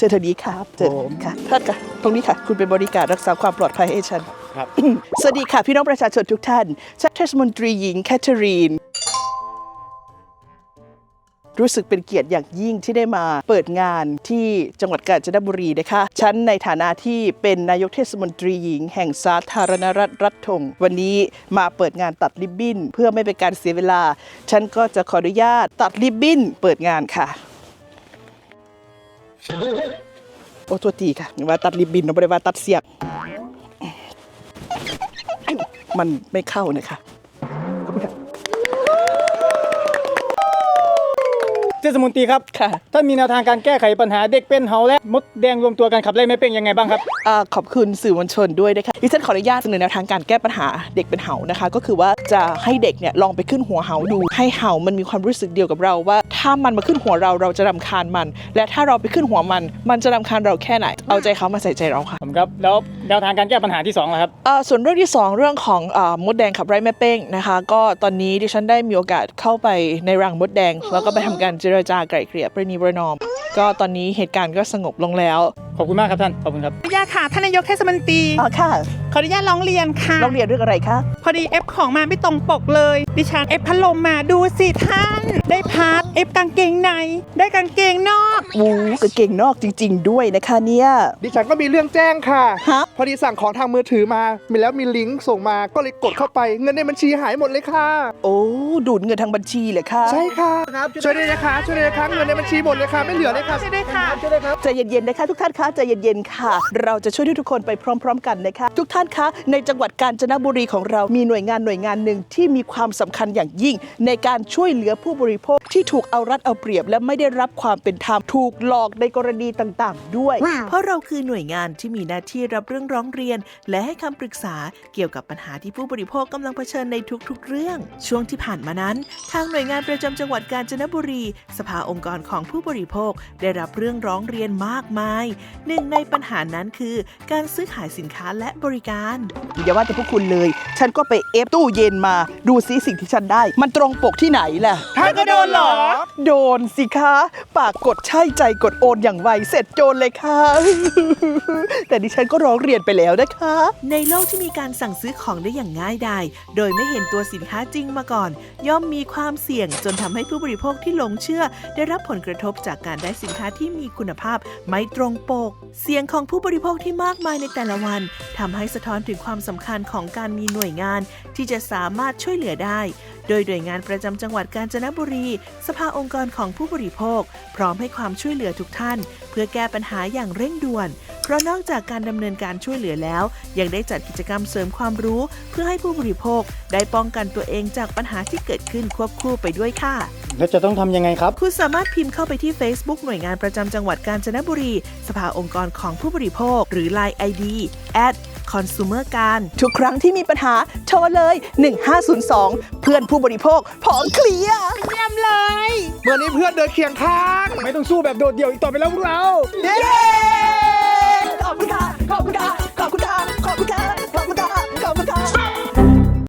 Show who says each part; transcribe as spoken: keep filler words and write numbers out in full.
Speaker 1: ชิญทางนี้ครับเชิญค่ะท่านค่ะตรงนี้ค่ะคุณเป็นบริการรักษาความปลอดภัยให้ฉันครับ สวัสดีค่ะพี่น้องประชาชนทุกท่านฉันเทศมนตรีหญิงแคทเธอรีนรู้สึกเป็นเกียรติอย่างยิ่งที่ได้มาเปิดงานที่จังหวัดกาญจนบุรีนะคะฉันในฐานะที่เป็นนายกเทศมนตรีหญิงแห่งสาธารณรัฐรัฐธงวันนี้มาเปิดงานตัดริบบิ้นเพื่อไม่เป็นการเสียเวลาฉันก็จะขออนุญาตตัดริบบิ้นเปิดงานค่ะโอ้ตัวตีค่ะว่าตัดริบบิ้นเราไม่ได้ว่าตัดเสียบมันไม่เข้านะคะขอบคุณค่ะ
Speaker 2: เทศมนตรีครับค่ะท่านมีแนวทางการแก้ไขปัญหาเด็กเป็นเหาและมดแดงรวมตัวกันขับไล่ไม่เป็นยังไงบ้างครับ
Speaker 1: อ่าขอบคุณสื่อมวลชนด้วยนะคะดิฉันขออนุญาตเสนอแนวทางการแก้ปัญหาเด็กเป็นเหานะคะก็คือว่าจะให้เด็กเนี่ยลองไปขึ้นหัวเหาดูให้เหามันมีความรู้สึกเดียวกับเราว่าถ้ามันมาขึ้นหัวเราเราจะรำคาญมันและถ้าเราไปขึ้นหัวมันมันจะรำคาญเราแค่ไหนเอาใจเขามาใส่ใจเราค่ะ
Speaker 2: ผมครับแล้วแนวทางการแก้ปัญหาที่สองล่ะครับ
Speaker 1: อ่าส่วนเรื่องที่สองเรื่องของอ่ามดแดงขับไล่แม่เป้งนะคะก็ตอนนี้ดิฉันได้มีโอกาสเข้าไปในรังมดแดงแล้วก็ไปทำการเจรจาไกล่เกลี่ยประนีประนอมก็ตอนนี้เหตุการณ์ก็สงบลงแล้ว
Speaker 2: ขอบคุณมากครับท่านขอบคุณครับ
Speaker 3: ขออนุญาตค่ะท่านนายกเทศมนตรี
Speaker 1: อ๋อค่ะ
Speaker 3: ขออนุญาตร้องเรียนค่ะ
Speaker 1: ร้องเรียนเรื่องอะไรคะ
Speaker 3: พอดีเอฟของมาไม่ตรงปกเลยดิฉันเอฟพัดลมมาดูสิท่านได้พาร์ทเอฟกางเกงในได้กางเกงนอก
Speaker 1: วูกางเกงนอกจริงๆด้วยนะคะเนี่ย
Speaker 4: ดิฉันก็มีเรื่องแจ้งค่ะ
Speaker 1: ฮะ
Speaker 4: พอดีสั่งของทางมือถือมามีแล้วมีลิงก์ส่งมาก็เลยกดเข้าไปเงินในบัญชีหายหมดเลยค่ะ
Speaker 1: โอ้ดูดเงินทางบัญชีเลยค่ะ
Speaker 4: ใช่ค่ะช่วยด้วยนะคะช่วยด้วยนะคะเงินในบัญชีหมดเลยค่ะไม่เหลือเลยค่ะ
Speaker 3: ช่วยด้วยค่ะ
Speaker 4: ช่วยด้วยครับ
Speaker 1: ใจเย็นๆนะคะทุกท่านคะใจเย็นๆค่ะเราจะช่วยทุกคนไปพร้อมๆกันนะคะทุกท่านคะในจังหวัดกาญจนบุรีของเรามีหน่วยงานหน่วยงานหนึ่งที่มีความสำคัญอย่างยิ่งในการช่วยเหลือผู้บริโภคที่ถูกเอารัดเอาเปรียบและไม่ได้รับความเป็นธรรมถูกหลอกในกรณีต่างๆด้วย
Speaker 5: wow. เพราะเราคือหน่วยงานที่มีหน้าที่รับเรื่องร้องเรียนและให้คำปรึกษาเกี่ยวกับปัญหาที่ผู้บริโภคกำลังเผชิญในทุกๆเรื่องช่วงที่ผ่านมานั้นทางหน่วยงานประจำจังหวัดกาญจนบุรีสภาองค์กรของผู้บริโภคได้รับเรื่องร้องเรียนมากมายหนึ่งในปัญหานั้นคือการซื้อขายสินค้าและบริการ
Speaker 1: อย่าว่าแต่พวกคุณเลยฉันก็ไปเอฟตู้เย็นมาดูซิสิ่งที่ฉันได้มันตรงปกที่ไหนล่ะ
Speaker 4: ท่านก็โดนเหรอ
Speaker 1: โดนสิคะปากกดใช่ใจกดโอนอย่างไวเสร็จโจรเลยค่ะแต่ดิฉันก็ร้องเรียนไปแล้วนะคะ
Speaker 5: ในโลกที่มีการสั่งซื้อของได้อย่างง่ายดายโดยไม่เห็นตัวสินค้าจริงมาก่อนย่อมมีความเสี่ยงจนทำให้ผู้บริโภคที่หลงเชื่อได้รับผลกระทบจากการได้สินค้าที่มีคุณภาพไม่ตรงปกเสียงของผู้บริโภคที่มากมายในแต่ละวันทำให้สะท้อนถึงความสำคัญของการมีหน่วยงานที่จะสามารถช่วยเหลือได้โดยหน่วยงานประจำจังหวัดกาญจนบุรีสภาองค์กรของผู้บริโภคพร้อมให้ความช่วยเหลือทุกท่านเพื่อแก้ปัญหาอย่างเร่งด่วนเพราะนอกจากการดำเนินการช่วยเหลือแล้วยังได้จัดกิจกรรมเสริมความรู้เพื่อให้ผู้บริโภคได้ป้องกันตัวเองจากปัญหาที่เกิดขึ้นควบคู่ไปด้วยค่ะ
Speaker 2: แล้วจะต้องทำยังไงครับ
Speaker 5: คุณสามารถพิมพ์เข้าไปที่ Facebook หน่วยงานประจำจังหวัดกาญจนบุรีสภาองค์กรของผู้บริโภคหรือ ไลน์ ไอ ดี แอท คอนซูเมอร์ การ
Speaker 1: ทุกครั้งที่มีปัญหาโทรเลยหนึ่งห้าศูนย์สองเพื่อนผู้บริโภคพร้อมเคลียร์
Speaker 3: เยี่ยมเลย
Speaker 4: เมื่อนี้เพื่อนเดินเคียงข้าง
Speaker 2: ไม่ต้องสู้แบบโดดเดี่ยวอีกต่อไปแล้วพวกเรา
Speaker 1: เย้ขอบคุณค่ะขอบคุณค่ะขอบคุณค่ะขอบคุณค่ะ